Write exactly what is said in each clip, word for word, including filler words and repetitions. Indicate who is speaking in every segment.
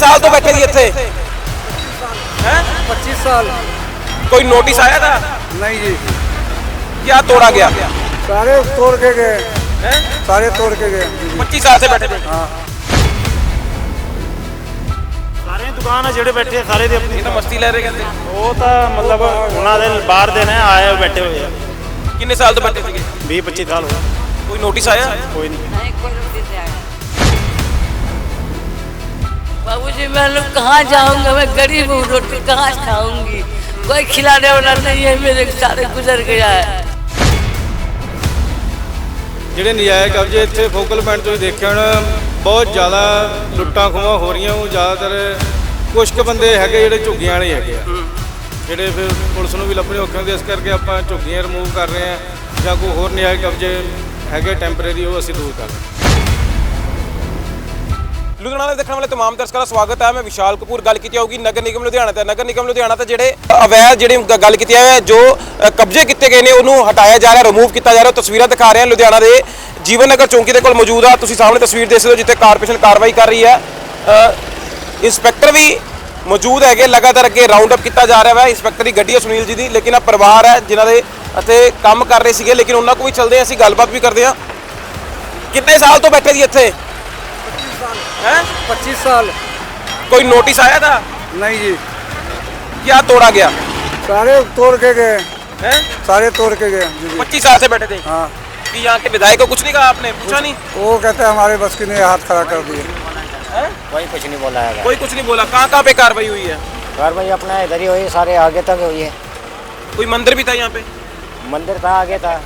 Speaker 1: साल तो बैठे जी इत्थे? हैं?
Speaker 2: पच्चीस साल।
Speaker 1: कोई नोटिस आया था?
Speaker 2: नहीं जी,
Speaker 1: क्या तोड़ा गया?
Speaker 2: सारे तोड़ के गए।
Speaker 1: हैं?
Speaker 2: सारे तोड़ के गए।
Speaker 1: पच्चीस साल से बैठे थे।
Speaker 2: हाँ,
Speaker 3: ਸਾਰੇ ਦੁਕਾਨ ਆ ਜਿਹੜੇ ਬੈਠੇ ਆ ਸਾਰੇ ਦੇ ਆਪਣੀ
Speaker 1: ये तो मस्ती ले रहे कहते।
Speaker 3: ਉਹ ਤਾਂ ਮਤਲਬ ਉਹਨਾਂ ਦੇ ਬਾਹਰ ਦੇ ਨੇ ਆਏ ਹੋਏ ਬੈਠੇ ਹੋਏ ਆ
Speaker 1: किन्ने साल तो बैठे थे?
Speaker 3: ਵੀਹ ਪੱਚੀ ਸਾਲ ਹੋ ਗਏ
Speaker 1: कोई नोटिस आया?
Speaker 3: ਕੋਈ ਨਹੀਂ
Speaker 4: नहीं कोई नोटिस नहीं आया। बाबूजी मैं लोग कहाँ जाऊंगा, मैं गरीब हूँ, रोटी कहाँ खाऊंगी, कोई खिलाने वाला नहीं है, मेरे सारे गुजर गया है।
Speaker 5: ਜਿਹੜੇ ਨਜਾਇਜ਼ ਕਬਜ਼ੇ ਇੱਥੇ ਫੋਕਲ ਪੁਆਇੰਟ ਤੁਸੀਂ ਦੇਖਿਆ ਹੋਣਾ ਬਹੁਤ ਜ਼ਿਆਦਾ ਲੁੱਟਾਂ ਖੋਹਾਂ ਹੋ ਰਹੀਆਂ। ਉਹ ਜ਼ਿਆਦਾਤਰ ਕੁਛ ਕੁ ਬੰਦੇ ਹੈਗੇ ਜਿਹੜੇ ਝੁੱਗੀਆਂ ਵਾਲੇ ਹੈਗੇ ਆ, ਜਿਹੜੇ ਫਿਰ ਪੁਲਿਸ ਨੂੰ ਵੀ ਲੱਭਣੇ ਔਖੇ ਹੁੰਦੇ। ਇਸ ਕਰਕੇ ਆਪਾਂ ਝੁੱਗੀਆਂ ਰਿਮੂਵ ਕਰ ਰਹੇ ਹਾਂ ਜਾਂ ਕੋਈ ਹੋਰ ਨਜਾਇਜ਼ ਕਬਜ਼ੇ ਹੈਗੇ ਟੈਂਪਰੇਰੀ, ਉਹ ਅਸੀਂ ਦੂਰ ਕਰ ਰਹੇ ਹਾਂ।
Speaker 1: ਲੁਧਿਆਣਾ ਦੇ ਦੇਖਣ ਵਾਲੇ तमाम ਦਰਸ਼ਕਾਂ ਦਾ ਸਵਾਗਤ ਹੈ। ਮੈਂ ਵਿਸ਼ਾਲ ਕਪੂਰ। ਗੱਲ ਕੀਤੀ ਹੋਊਗੀ ਨਗਰ ਨਿਗਮ ਲੁਧਿਆਣਾ ਤੇ ਨਗਰ ਨਿਗਮ ਲੁਧਿਆਣਾ ਤੇ ਜਿਹੜੇ ਅਵੈਧ ਜਿਹੜੀ ਗ- ਗੱਲ ਕੀਤੀ ਹੈ ਜੋ ਅ, ਕਬਜ਼ੇ ਕੀਤੇ ਗਏ ਨੇ ਉਹਨੂੰ ਹਟਾਇਆ ਜਾ ਰਿਹਾ, ਰਿਮੂਵ ਕੀਤਾ ਜਾ ਰਿਹਾ। ਤਸਵੀਰਾਂ ਦਿਖਾ ਰਹੇ ਹਾਂ ਲੁਧਿਆਣਾ ਦੇ ਜੀਵਨ ਨਗਰ ਚੌਂਕੀ ਦੇ ਕੋਲ ਮੌਜੂਦ ਆ। ਤੁਸੀਂ ਸਾਹਮਣੇ ਤਸਵੀਰ ਦੇਖ ਸਕਦੇ ਹੋ ਜਿੱਥੇ ਕਾਰਪੋਰੇਸ਼ਨ ਕਾਰਵਾਈ ਕਰ ਰਹੀ ਹੈ। ਅ, ਇੰਸਪੈਕਟਰ ਵੀ ਮੌਜੂਦ ਹੈਗੇ, ਲਗਾਤਾਰ ਅੱਗੇ ਰਾਉਂਡ ਅਪ ਕੀਤਾ ਜਾ ਰਿਹਾ ਹੈ। ਇੰਸਪੈਕਟਰ ਦੀ ਗੱਡੀ ਹੈ ਸੁਨੀਲ ਜੀ ਦੀ, ਲੇਕਿਨ ਆ ਪਰਿਵਾਰ ਹੈ ਜਿਨ੍ਹਾਂ ਦੇ ਇੱਥੇ ਕੰਮ ਕਰ ਰਹੇ ਸੀਗੇ, ਲੇਕਿਨ ਉਹਨਾਂ ਕੋਲ ਵੀ ਚੱਲਦੇ ਹਾਂ, ਅਸੀਂ ਗੱਲਬਾਤ ਵੀ ਕਰਦੇ ਹਾਂ। ਕਿੰਨੇ ਸਾਲ ਤੋਂ ਬੈਠੇ ਜੀ ਇੱਥੇ? हैं?
Speaker 2: पच्चीस साल।
Speaker 1: कोई नोटिस आया था?
Speaker 2: नहीं जी,
Speaker 1: क्या तोड़ा गया?
Speaker 2: सारे तोड़ के गए।
Speaker 1: हैं?
Speaker 2: सारे तोड़ के गए जी जी।
Speaker 1: पच्चीस साल से बैठे थे
Speaker 2: हाँ,
Speaker 1: कि यहाँ के विधायक को कुछ नहीं कहा आपने? पूछा नहीं?
Speaker 2: वो कहते हैं हमारे बस की नहीं, हाथ खड़ा कर दिए।
Speaker 1: हैं?
Speaker 6: कोई कुछ नहीं बोला है।
Speaker 1: कोई कुछ नहीं बोला। कहाँ कहाँ पे कार्रवाई हुई है?
Speaker 6: कार्रवाई अपना इधर ही हुई, सारे आगे तक हुई है।
Speaker 1: कोई मंदिर भी था यहाँ पे?
Speaker 6: मंदिर था आगे था।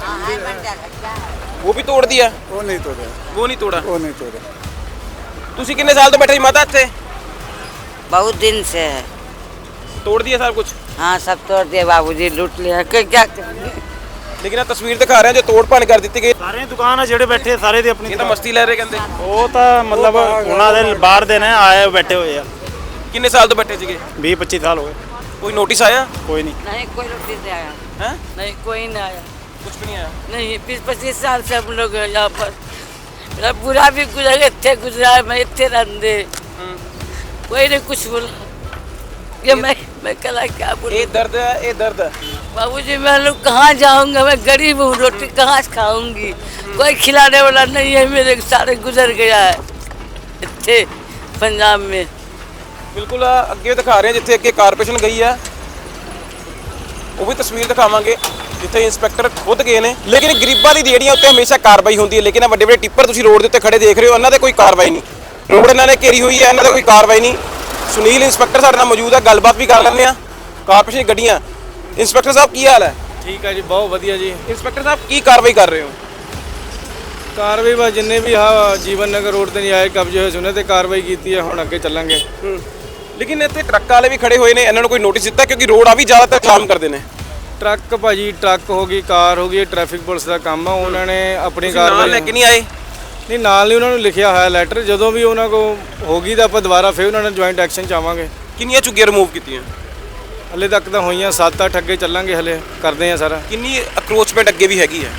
Speaker 1: वो भी तोड़ दिया?
Speaker 2: वो नहीं तोड़े,
Speaker 1: वो नहीं तोड़ा।
Speaker 2: वो नहीं तोड़े।
Speaker 1: तुसी कितने साल तो बैठे जी माता ਇੱਥੇ?
Speaker 4: बहुत दिन से है।
Speaker 1: तोड़ दिया सब कुछ?
Speaker 4: हाँ सब तोड़ दिए बाबूजी, लूट लिया, कोई क्या करेंगे?
Speaker 1: लेकिन आ तस्वीर दिखा रहे हैं जो तोड़ भन कर दी गई।
Speaker 3: ਸਾਰੇ ਦੁਕਾਨ ਆ ਜਿਹੜੇ ਬੈਠੇ ਆ ਸਾਰੇ ਦੇ ਆਪਣੀ
Speaker 1: ये तो मस्ती ले रहे कहते।
Speaker 3: ਉਹ ਤਾਂ ਮਤਲਬ ਉਹਨਾਂ ਦੇ ਬਾਹਰ ਦੇ ਨੇ ਆਏ ਹੋਏ ਬੈਠੇ ਹੋਏ ਆ
Speaker 1: किन्ने साल तो बैठे ਸੀਗੇ?
Speaker 3: ਵੀਹ ਪੱਚੀ ਸਾਲ ਹੋ ਗਏ
Speaker 1: कोई नोटिस आया?
Speaker 3: ਕੋਈ नहीं
Speaker 4: नहीं कोई नोटिस नहीं आया।
Speaker 1: हैं?
Speaker 4: नहीं कोई नहीं आया।
Speaker 1: कुछ भी नहीं आया।
Speaker 4: नहीं बीस पच्चीस साल से हम लोग यहाँ पर, मेरा बुरा भी गुजर गया, इतने गुजरा है, मैं इतने रंधे, कोई नहीं कुछ बोला। ये मैं मैं कला क्या बोलूं?
Speaker 1: ये दर्द है, ये दर्द है।
Speaker 4: बाबूजी मैं लोग कहाँ जाऊंगा, मैं गरीब हूँ, रोटी कहाँ खाऊंगी, कोई खिलाने वाला नहीं है, मेरे सारे गुजर गया है इतने पंजाब में।
Speaker 1: ਬਿਲਕੁਲ ਅੱਗੇ ਦਿਖਾ ਰਹੇ ਹਾਂ ਜਿੱਥੇ ਅੱਗੇ ਕਾਰਪੋਰੇਸ਼ਨ ਗਈ ਹੈ, ਉਹ ਵੀ ਤਸਵੀਰ ਦਿਖਾਵਾਂਗੇ ਜਿੱਥੇ ਇੰਸਪੈਕਟਰ ਖੁਦ ਗਏ ਨੇ। ਲੇਕਿਨ ਗਰੀਬਾਂ ਦੀ ਰੇਹੜੀਆਂ ਉੱਤੇ ਹਮੇਸ਼ਾ ਕਾਰਵਾਈ ਹੁੰਦੀ ਹੈ, ਲੇਕਿਨ ਇਹ ਵੱਡੇ ਵੱਡੇ ਟਿੱਪਰ ਤੁਸੀਂ ਰੋਡ ਦੇ ਉੱਤੇ ਖੜੇ ਦੇਖ ਰਹੇ ਹੋ, ਇਹਨਾਂ ਦੇ ਕੋਈ ਕਾਰਵਾਈ ਨਹੀਂ। ਰੋਡ ਇਹਨਾਂ ਨੇ ਘੇਰੀ ਹੋਈ ਹੈ, ਇਹਨਾਂ ਦਾ ਕੋਈ ਕਾਰਵਾਈ ਨਹੀਂ। ਸੁਨੀਲ ਇੰਸਪੈਕਟਰ ਸਾਡੇ ਨਾਲ ਮੌਜੂਦ ਹੈ, ਗੱਲਬਾਤ ਵੀ ਕਰ ਲੈਂਦੇ ਹਾਂ। ਕਾਰਪੋਰੇਸ਼ਨ ਦੀ ਗੱਡੀਆਂ। ਇੰਸਪੈਕਟਰ ਸਾਹਿਬ ਕੀ ਹਾਲ ਹੈ?
Speaker 5: ਠੀਕ ਹੈ ਜੀ, ਬਹੁਤ ਵਧੀਆ ਜੀ।
Speaker 1: ਇੰਸਪੈਕਟਰ ਸਾਹਿਬ ਕੀ ਕਾਰਵਾਈ ਕਰ ਰਹੇ ਹੋ?
Speaker 5: ਕਾਰਵਾਈ ਬਸ ਜਿੰਨੇ ਵੀ ਆ ਜੀਵਨ ਨਗਰ ਰੋਡ ਤੇ ਨਜਾਇਜ਼ ਕਬਜ਼ੇ ਹੋਏ ਸੀ ਉਹਨਾਂ ਤੇ ਕਾਰਵਾਈ ਕੀਤੀ ਹੈ। ਹੁਣ ਅੱਗੇ ਚੱਲਾਂਗੇ।
Speaker 1: ਲੇਕਿਨ ਇੱਥੇ ਟਰੱਕ ਵਾਲੇ ਵੀ ਖੜੇ ਹੋਏ ਨੇ, ਇਹਨਾਂ ਨੂੰ ਕੋਈ ਨੋਟਿਸ ਦਿੱਤਾ? ਕਿਉਂਕਿ ਰੋਡ ਆ ਵੀ ਜ਼ਿਆਦਾਤਰ ਜਾਮ ਕਰਦੇ ਨੇ।
Speaker 5: ਟਰੱਕ ਭਾਜੀ, ਟਰੱਕ ਹੋ ਗਈ, ਕਾਰ ਹੋ ਗਈ, ਟ੍ਰੈਫਿਕ ਪੁਲਿਸ ਦਾ ਕੰਮ ਆ। ਉਹਨਾਂ ਨੇ ਆਪਣੀ
Speaker 1: ਤੁਸੀਂ ਨਾਲ
Speaker 5: ਕਾਰਵਾਈ
Speaker 1: ਲੈ ਕੇ ਨਹੀਂ ਆਏ?
Speaker 5: ਨਹੀਂ, ਨਾਲ ਨਹੀਂ, ਉਹਨਾਂ ਨੂੰ ਲਿਖਿਆ ਹੋਇਆ ਲੈਟਰ। ਜਦੋਂ ਵੀ ਉਹਨਾਂ ਕੋ ਹੋ ਗਈ ਤਾਂ ਆਪਾਂ ਦੁਬਾਰਾ ਫਿਰ ਉਹਨਾਂ ਨਾਲ ਜੁਆਇੰਟ ਐਕਸ਼ਨ ਚਾਹਾਂਗੇ।
Speaker 1: ਕਿੰਨੀਆਂ ਝੁੱਗੀਆਂ ਰਿਮੂਵ ਕੀਤੀਆਂ?
Speaker 5: ਹਲੇ ਤੱਕ ਤਾਂ ਹੋਈਆਂ ਸੱਤ ਅੱਠ, ਅੱਗੇ ਚੱਲਾਂਗੇ, ਹਲੇ ਕਰਦੇ ਆ ਸਾਰਾ।
Speaker 1: ਕਿੰਨੀ ਅਕਰੋਚਮੈਂਟ ਅੱਗੇ ਵੀ ਹੈਗੀ ਹੈ?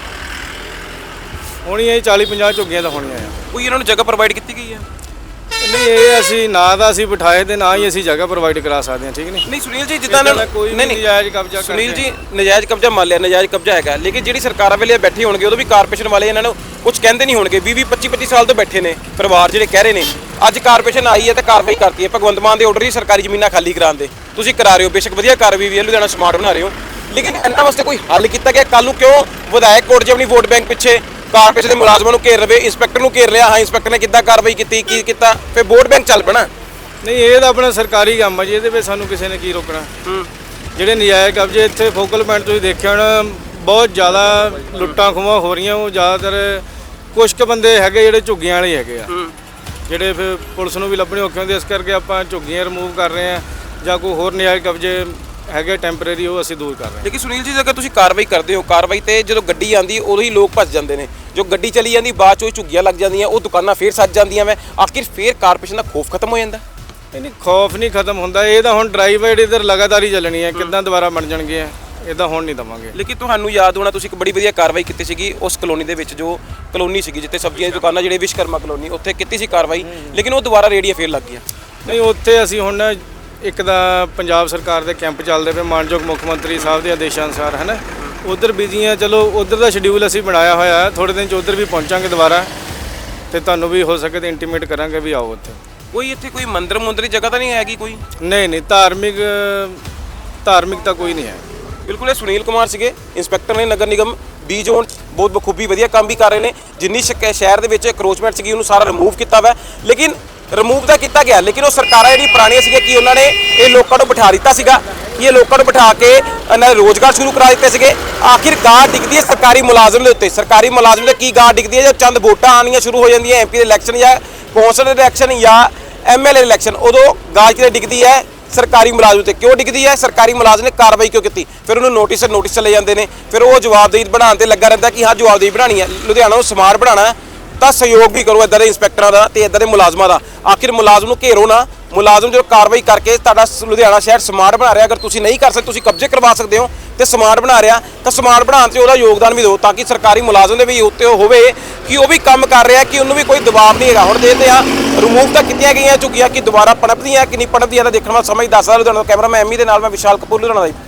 Speaker 5: ਹੋਣੀਆਂ ਚਾਲੀ ਪੰਜਾਹ ਝੁੱਗੀਆਂ ਤਾਂ ਹੋਣੀਆਂ ਆ।
Speaker 1: ਕੋਈ ਇਹਨਾਂ ਨੂੰ ਜਗ੍ਹਾ ਪ੍ਰੋਵਾਈਡ ਕੀਤੀ ਗਈ ਹੈ?
Speaker 5: ਨਹੀਂ, ਇਹ ਅਸੀਂ ਨਾ ਤਾਂ ਅਸੀਂ ਬਿਠਾਏ ਤੇ ਨਾ ਹੀ ਅਸੀਂ ਜਗ੍ਹਾ ਪ੍ਰੋਵਾਈਡ ਕਰਾ ਸਕਦੇ ਹਾਂ। ਠੀਕ ਨਹੀਂ
Speaker 1: ਨਹੀਂ ਸੁਨੀਲ ਜੀ, ਜਿੱਦਾਂ ਇਹਨਾਂ
Speaker 5: ਕੋਈ
Speaker 1: ਨਹੀਂ ਨਹੀਂ
Speaker 5: ਨਜਾਇਜ਼ ਕਬਜ਼ਾ
Speaker 1: ਸੁਨੀਲ ਜੀ, ਨਜਾਇਜ਼ ਕਬਜ਼ਾ ਮੰਨ ਲਿਆ, ਨਜਾਇਜ਼ ਕਬਜ਼ਾ ਹੈਗਾ, ਲੇਕਿਨ ਜਿਹੜੀ ਸਰਕਾਰਾਂ ਵੇਲੇ ਬੈਠੇ ਹੋਣਗੇ ਉਦੋਂ ਵੀ ਕਾਰਪੋਰੇਸ਼ਨ ਵਾਲੇ ਇਹਨਾਂ ਨੂੰ ਕੁਝ ਕਹਿੰਦੇ ਨਹੀਂ ਹੋਣਗੇ। ਵੀਹ ਵੀਹ ਪੱਚੀ ਪੱਚੀ ਸਾਲ ਤੋਂ ਬੈਠੇ ਨੇ ਪਰਿਵਾਰ ਜਿਹੜੇ ਕਹਿ ਰਹੇ ਨੇ। ਅੱਜ ਕਾਰਪੋਰੇਸ਼ਨ ਆਈ ਹੈ ਤੇ ਕਾਰਵਾਈ ਕਰਤੀ ਹੈ। ਭਗਵੰਤ ਮਾਨ ਦੇ ਆਰਡਰ ਹੀ ਸਰਕਾਰੀ ਜ਼ਮੀਨਾਂ ਖਾਲੀ ਕਰਾਉਣ ਦੇ ਤੁਸੀਂ ਕਰਾ ਰਹੇ ਹੋ, ਬੇਸ਼ੱਕ ਵਧੀਆ ਕਾਰਵਾਈ ਵੀ ਹੈ, ਲੁਧਿਆਣਾ ਸਮਾਰਟ ਬਣਾ ਰਹੇ ਹੋ, ਲੇਕਿਨ ਇਹਨਾਂ ਵਾਸਤੇ ਕੋਈ ਹੱਲ ਕੀਤਾ ਗਿਆ? ਕੱਲ ਨੂੰ ਕਿਉਂ ਵਿਧਾਇਕ ਕੋਰਟ 'ਚ ਆਪਣੀ ਵੋਟ ਬੈਂਕ ਪਿੱਛੇ ਕਾਰਪੋਰੇਸ਼ਨ ਦੇ ਮੁਲਾਜ਼ਮਾਂ ਨੂੰ ਘੇਰ ਰਵੇ, ਇੰਸਪੈਕਟਰ ਨੂੰ ਘੇਰ ਲਿਆ, ਹਾਂ ਇੰਸਪੈਕਟਰ ਨੇ ਕਿੱਦਾਂ ਕਾਰਵਾਈ ਕੀਤੀ, ਕੀ ਕੀਤਾ, ਫਿਰ ਵੋਟ ਬੈਂਕ ਚੱਲ ਪੈਣਾ।
Speaker 5: ਨਹੀਂ, ਇਹ ਤਾਂ ਆਪਣਾ ਸਰਕਾਰੀ ਕੰਮ ਹੈ ਜੀ, ਇਹਦੇ ਵਿੱਚ ਸਾਨੂੰ ਕਿਸੇ ਨੇ ਕੀ ਰੋਕਣਾ। ਜਿਹੜੇ ਨਜਾਇਜ਼ ਕਬਜ਼ੇ ਇੱਥੇ ਫੋਕਲ ਪੁਆਇੰਟ ਤੁਸੀਂ ਦੇਖਿਆ ਹੋਣਾ ਬਹੁਤ ਜ਼ਿਆਦਾ ਲੁੱਟਾਂ ਖੋਹਾਂ ਹੋ ਰਹੀਆਂ। ਉਹ ਜ਼ਿਆਦਾਤਰ ਕੁਛ ਕੁ ਬੰਦੇ ਹੈਗੇ ਜਿਹੜੇ ਝੁੱਗੀਆਂ ਵਾਲੇ ਹੈਗੇ ਆ, ਜਿਹੜੇ ਫਿਰ ਪੁਲਿਸ ਨੂੰ ਵੀ ਲੱਭਣੇ ਔਖੇ ਹੁੰਦੇ। ਇਸ ਕਰਕੇ ਆਪਾਂ ਝੁੱਗੀਆਂ ਰਿਮੂਵ ਕਰ ਰਹੇ ਹਾਂ ਜਾਂ ਕੋਈ ਹੋਰ ਨਜਾਇਜ਼ ਕਬਜ਼ੇ ਹੈਗੇ ਟੈਂਪਰੇਰੀ, ਉਹ ਅਸੀਂ ਦੂਰ ਕਰ ਰਹੇ ਹਾਂ।
Speaker 1: ਲੇਕਿਨ ਸੁਨੀਲ ਜੀ, ਜੇਕਰ ਤੁਸੀਂ ਕਾਰਵਾਈ ਕਰਦੇ ਹੋ, ਕਾਰਵਾਈ ਤੇ ਜਦੋਂ ਗੱਡੀ ਆਂਦੀ ਉਦੋਂ ਹੀ ਲੋਕ ਭੱਜ ਜਾਂਦੇ ਨੇ। ਜੋ ਗੱਡੀ ਚਲੀ ਜਾਂਦੀ ਬਾਅਦ 'ਚ ਉਹ ਝੁੱਗੀਆਂ ਲੱਗ ਜਾਂਦੀਆਂ, ਉਹ ਦੁਕਾਨਾਂ ਫੇਰ ਸੱਜ ਜਾਂਦੀਆਂ। ਮੈਂ ਆਖਿਰ ਫੇਰ ਕਾਰਪੋਰੇਸ਼ਨ ਦਾ ਖੌਫ ਖਤਮ ਹੋ ਜਾਂਦਾ?
Speaker 5: ਨਹੀਂ, ਖੌਫ ਨਹੀਂ ਖਤਮ ਹੁੰਦਾ। ਇਹ ਤਾਂ ਹੁਣ ਡਰਾਈਵ ਹੈ ਜਿਹੜੀ ਇੱਧਰ ਲਗਾਤਾਰ ਹੀ ਚੱਲਣੀ ਹੈ, ਕਿੱਦਾਂ ਦੁਬਾਰਾ ਬਣ ਜਾਣਗੇ। ਇਦਾਂ ਹੋਣ ਨਹੀਂ ਦਵਾਂਗੇ।
Speaker 1: ਲੇਕਿਨ ਤੁਹਾਨੂੰ ਯਾਦ ਹੋਣਾ ਤੁਸੀਂ ਇੱਕ ਬੜੀ ਵਧੀਆ ਕਾਰਵਾਈ ਕੀਤੀ ਸੀਗੀ ਉਸ ਕਲੋਨੀ ਦੇ ਵਿੱਚ, ਜੋ ਕਲੋਨੀ ਸੀਗੀ ਜਿੱਥੇ ਸਬਜ਼ੀਆਂ ਦੀ ਦੁਕਾਨਾਂ ਜਿਹੜੇ ਵਿਸ਼ਕਰਮਾ ਕਲੋਨੀ, ਉੱਥੇ ਕੀਤੀ ਸੀ ਕਾਰਵਾਈ, ਲੇਕਿਨ ਉਹ ਦੁਬਾਰਾ ਰੇੜੀਆਂ ਫੇਰ ਲੱਗ ਗਈਆਂ।
Speaker 5: ਨਹੀਂ, ਉੱਥੇ ਅਸੀਂ ਹੁਣ ਇੱਕ ਤਾਂ ਪੰਜਾਬ ਸਰਕਾਰ ਦੇ ਕੈਂਪ ਚੱਲਦੇ ਪਏ ਮਾਨਯੋਗ ਮੁੱਖ ਮੰਤਰੀ ਸਾਹਿਬ ਦੇ ਆਦੇਸ਼ਾਂ ਅਨੁਸਾਰ, ਹੈ ਨਾ, ਉਧਰ ਬਿਜ਼ੀ ਆ। ਚਲੋ ਉਧਰ ਦਾ ਸ਼ਡਿਊਲ ਅਸੀਂ ਬਣਾਇਆ ਹੋਇਆ ਹੈ, ਥੋੜ੍ਹੇ ਦਿਨ 'ਚ ਉਧਰ ਵੀ ਪਹੁੰਚਾਂਗੇ ਦੁਬਾਰਾ, ਤੇ ਤੁਹਾਨੂੰ ਵੀ ਹੋ ਸਕੇ ਤਾਂ ਇੰਟੀਮੇਟ ਕਰਾਂਗੇ ਵੀ ਆਓ ਉੱਥੇ।
Speaker 1: ਕੋਈ ਇੱਥੇ ਕੋਈ ਮੰਦਿਰ ਮੁੰਦਰੀ ਜਗ੍ਹਾ ਤਾਂ ਨਹੀਂ ਹੈਗੀ ਕੋਈ?
Speaker 5: ਨਹੀਂ ਨਹੀਂ, ਧਾਰਮਿਕ ਧਾਰਮਿਕ ਤਾਂ ਕੋਈ ਨਹੀਂ ਹੈ।
Speaker 1: ਬਿਲਕੁਲ, ਇਹ ਸੁਨੀਲ ਕੁਮਾਰ ਸੀਗੇ, ਇੰਸਪੈਕਟਰ ਨੇ ਨਗਰ ਨਿਗਮ ਬੀ ਜ਼ੋਨ, ਬਹੁਤ ਬਖੂਬੀ ਵਧੀਆ ਕੰਮ ਵੀ ਕਰ ਰਹੇ ਨੇ। ਜਿੰਨੀ ਸ਼ਕ ਸ਼ਹਿਰ ਦੇ ਵਿੱਚ ਕਰੋਚਮੈਂਟ ਸੀਗੀ ਉਹਨੂੰ ਸਾਰਾ ਰਿਮੂਵ ਕੀਤਾ ਵਾ, ਲੇਕਿਨ ਰਿਮੂਵ ਤਾਂ ਕੀਤਾ ਗਿਆ, ਲੇਕਿਨ ਉਹ ਸਰਕਾਰਾਂ ਜਿਹੜੀ ਪੁਰਾਣੀਆਂ ਸੀਗੀਆਂ ਕਿ ਉਹਨਾਂ ਨੇ ਇਹ ਲੋਕਾਂ ਨੂੰ ਬਿਠਾ ਦਿੱਤਾ ਸੀਗਾ ਕਿ ਇਹ ਲੋਕਾਂ ਨੂੰ ਬਿਠਾ ਕੇ ਇਹਨਾਂ ਦੇ ਰੋਜ਼ਗਾਰ ਸ਼ੁਰੂ ਕਰਾ ਦਿੱਤੇ ਸੀਗੇ। ਆਖਿਰ ਗਾਹ ਡਿੱਗਦੀ ਹੈ ਸਰਕਾਰੀ ਮੁਲਾਜ਼ਮ ਦੇ ਉੱਤੇ। ਸਰਕਾਰੀ ਮੁਲਾਜ਼ਮ ਦੇ ਕੀ ਗਾਹ ਡਿੱਗਦੀ ਹੈ ਜਦ ਚੰਦ ਵੋਟਾਂ ਆਉਣੀਆਂ ਸ਼ੁਰੂ ਹੋ ਜਾਂਦੀਆਂ, ਐਮਪੀ ਦੇ ਇਲੈਕਸ਼ਨ ਜਾਂ ਕੌਂਸਲ ਦੇ ਇਲੈਕਸ਼ਨ ਜਾਂ ਐਮਐਲਏ ਦੇ ਇਲੈਕਸ਼ਨ, ਉਦੋਂ ਗਾਹ ਕਿਤੇ ਡਿੱਗਦੀ ਹੈ ਸਰਕਾਰੀ ਮੁਲਾਜ਼ਮ ਤੇ। ਕਿਉਂ ਡਿੱਗਦੀ ਹੈ? ਸਰਕਾਰੀ ਮੁਲਾਜ਼ਮ ਨੇ ਕਾਰਵਾਈ ਕਿਉਂ ਕੀਤੀ? ਫਿਰ ਉਹਨੂੰ ਨੋਟਿਸ ਨੋਟਿਸ ਚਲੇ ਜਾਂਦੇ ਨੇ, ਫਿਰ ਉਹ ਜਵਾਬਦੇਹੀ ਬਣਾਉਣ ਤੇ ਲੱਗਾ ਰਹਿੰਦਾ ਕਿ ਹਾਂ ਜਵਾਬਦੇਹੀ ਬਣਾਉਣੀ ਹੈ, ਲੁਧਿਆਣਾ ਨੂੰ ਸਮਾਰਟ ਬਣਾਉਣਾ, ਤਾਂ ਸਹਿਯੋਗ ਵੀ ਕਰੋ ਇੱਦਾਂ ਦੇ ਇੰਸਪੈਕਟਰਾਂ ਦਾ ਤੇ ਇੱਦਾਂ ਦੇ ਮੁਲਾਜ਼ਮਾਂ ਦਾ। ਆਖਿਰ ਮੁਲਾਜ਼ਮ ਨੂੰ ਘੇਰੋ ਨਾ, ਮੁਲਾਜ਼ਮ ਜਦੋਂ ਕਾਰਵਾਈ ਕਰਕੇ ਤੁਹਾਡਾ ਲੁਧਿਆਣਾ ਸ਼ਹਿਰ ਸਮਾਰਟ ਬਣਾ ਰਿਹਾ, ਅਗਰ ਤੁਸੀਂ ਨਹੀਂ ਕਰ ਸਕਦੇ, ਤੁਸੀਂ ਕਬਜ਼ੇ ਕਰਵਾ ਸਕਦੇ ਹੋ ਤੇ ਸਮਾਰਟ ਬਣਾ ਰਿਹਾ, ਤਾਂ ਸਮਾਰਟ ਬਣਾਉਣ 'ਚ ਉਹਦਾ ਯੋਗਦਾਨ ਵੀ ਦਿਓ, ਤਾਂ ਕਿ ਸਰਕਾਰੀ ਮੁਲਾਜ਼ਮ ਦੇ ਵੀ ਉੱਤੇ ਹੋਵੇ ਕਿ ਉਹ ਵੀ ਕੰਮ ਕਰ ਰਿਹਾ, ਕਿ ਉਹਨੂੰ ਵੀ ਕੋਈ ਦਬਾਅ ਨਹੀਂ ਹੈਗਾ। ਹੁਣ ਦੇਖਦੇ ਹਾਂ ਰਿਮੂਵ ਤਾਂ ਕੀਤੀਆਂ ਗਈਆਂ ਝੁੱਗੀਆਂ, ਕਿ ਦੁਬਾਰਾ ਪਣਪਦੀਆਂ ਕਿ ਨਹੀਂ ਪਣਪਦੀਆਂ, ਤਾਂ ਦੇਖਣ ਵਾਲਾ ਸਮਾਂ ਹੀ ਦੱਸਦਾ। ਲੁਧਿਆਣਾ ਤੋਂ ਕੈਮਰਾਮੈਨ ਐਮੀ ਦੇ ਨਾਲ ਮੈਂ ਵਿਸ਼ਾਲ ਕਪੂਰ, ਲੁਧਿਆਣਾ ਦਾ।